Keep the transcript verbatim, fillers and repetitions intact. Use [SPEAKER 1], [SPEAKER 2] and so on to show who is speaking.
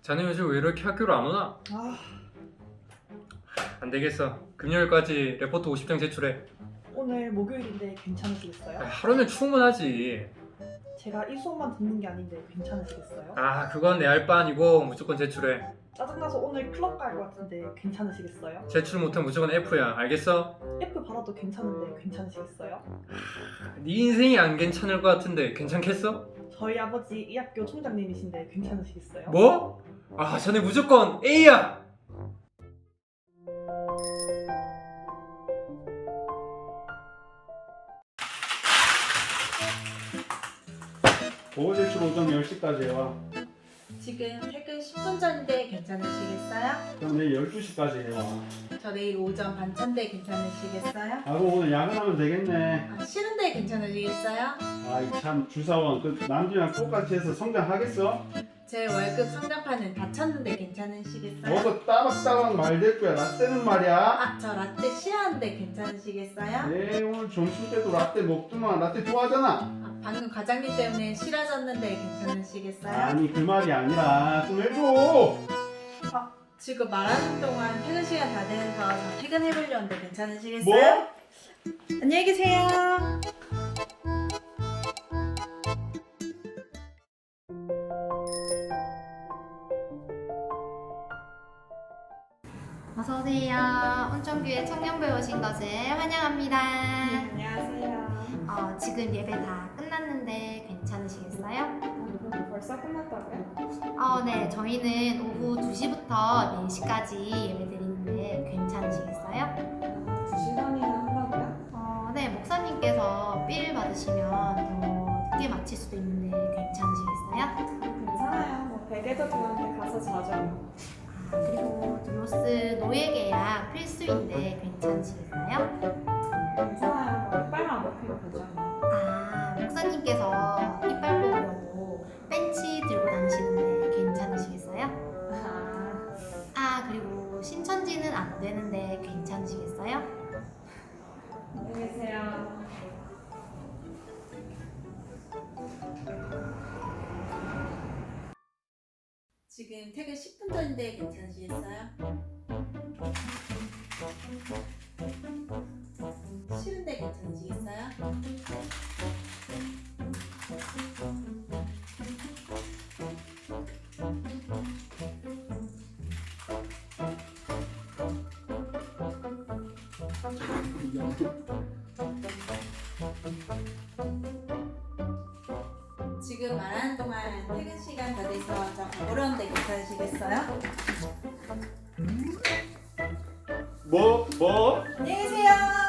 [SPEAKER 1] 자네 요즘 왜 이렇게 학교를 안 오나?
[SPEAKER 2] 아,
[SPEAKER 1] 안 되겠어. 금요일까지 레포트 오십 장 제출해.
[SPEAKER 2] 오늘 목요일인데 괜찮으시겠어요?
[SPEAKER 1] 아, 하루면 충분하지.
[SPEAKER 2] 제가 이 수업만 듣는 게 아닌데 괜찮으시겠어요?
[SPEAKER 1] 아, 그건 내 알 바 아니고 무조건 제출해.
[SPEAKER 2] 짜증나서 오늘 클럽 갈 것 같은데 괜찮으시겠어요?
[SPEAKER 1] 제출 못하면 무조건 F야. 알겠어?
[SPEAKER 2] F 받아도 괜찮은데 괜찮으시겠어요?
[SPEAKER 1] 네 인생이 안 괜찮을 것 같은데 괜찮겠어?
[SPEAKER 2] 저희 아버지 이 학교 총장님이신데 괜찮으시겠어요?
[SPEAKER 1] 뭐? 아, 자네 무조건 A야.
[SPEAKER 3] 보고 제출 오전 열 시까지 해와.
[SPEAKER 4] 지금 퇴근 십 분 전인데 괜찮으시겠어요?
[SPEAKER 3] 그럼 내일 열두 시까지 해와.
[SPEAKER 4] 저 내일 오전 반찬데 괜찮으시겠어요?
[SPEAKER 3] 아 그럼 오늘 야근하면 되겠네.
[SPEAKER 4] 아, 싫은데 괜찮으시겠어요?
[SPEAKER 3] 아이 참 주사원 그 남들이랑 똑같이 해서 성장하겠어?
[SPEAKER 4] 제 월급 성장판은 다 쳤는데 괜찮으시겠어요?
[SPEAKER 3] 어서 따박따박 말될 거야. 나 때는 말이야.
[SPEAKER 4] 아, 저 라떼 싫어하는데 괜찮으시겠어요?
[SPEAKER 3] 네 오늘 점심 때도 라떼 먹더만. 라떼 좋아하잖아.
[SPEAKER 4] 아, 방금 과장님 때문에 싫어졌는데 괜찮으시겠어요?
[SPEAKER 3] 아니 그 말이 아니라 좀 해줘.
[SPEAKER 4] 지금 말하는 동안 퇴근 시간 다 돼서 저 퇴근해보려는데 괜찮으시겠어요?
[SPEAKER 3] 뭐?
[SPEAKER 4] 안녕히 계세요.
[SPEAKER 5] 어서오세요. 온천교회 청년부에 오신 것을 환영합니다.
[SPEAKER 6] 안녕하세요.
[SPEAKER 5] 어, 지금 예배 다 끝났는데 괜찮으시겠어요?
[SPEAKER 6] 벌써 끝났다고요?
[SPEAKER 5] 어, 네. 저희는 오후 두 시부터 네 시까지 예배 드리는데 괜찮으시겠어요?
[SPEAKER 6] 두 시간이나 한다고요?
[SPEAKER 5] 어, 네. 목사님께서 삘 받으시면 더 늦게 마칠 수도 있는데 괜찮으시겠어요?
[SPEAKER 6] 괜찮아요. 뭐 베개도 드는데 가서 자죠.
[SPEAKER 5] 아, 그리고 드로스 노예 계약 필수인데 괜찮으시겠어요?
[SPEAKER 6] 괜찮아요. 뭐 이빨만 먹히면 되죠.
[SPEAKER 5] 아, 목사님께서 이빨 뽑으려고 벤치 들고 다니시는데 괜찮으시겠어요?
[SPEAKER 6] 아,
[SPEAKER 5] 아, 그리고 신천지는 안 되는데 괜찮으시겠어요?
[SPEAKER 6] 안녕히 계세요.
[SPEAKER 4] 지금 퇴근 십 분 전인데 괜찮으시겠어요? 싫은데 괜찮으시겠어요? 지금 말하는 동안 퇴근 시간 다 돼서 저 가보려는데 괜찮으시겠어요?
[SPEAKER 3] 뭐? 뭐?
[SPEAKER 4] 안녕히 계세요.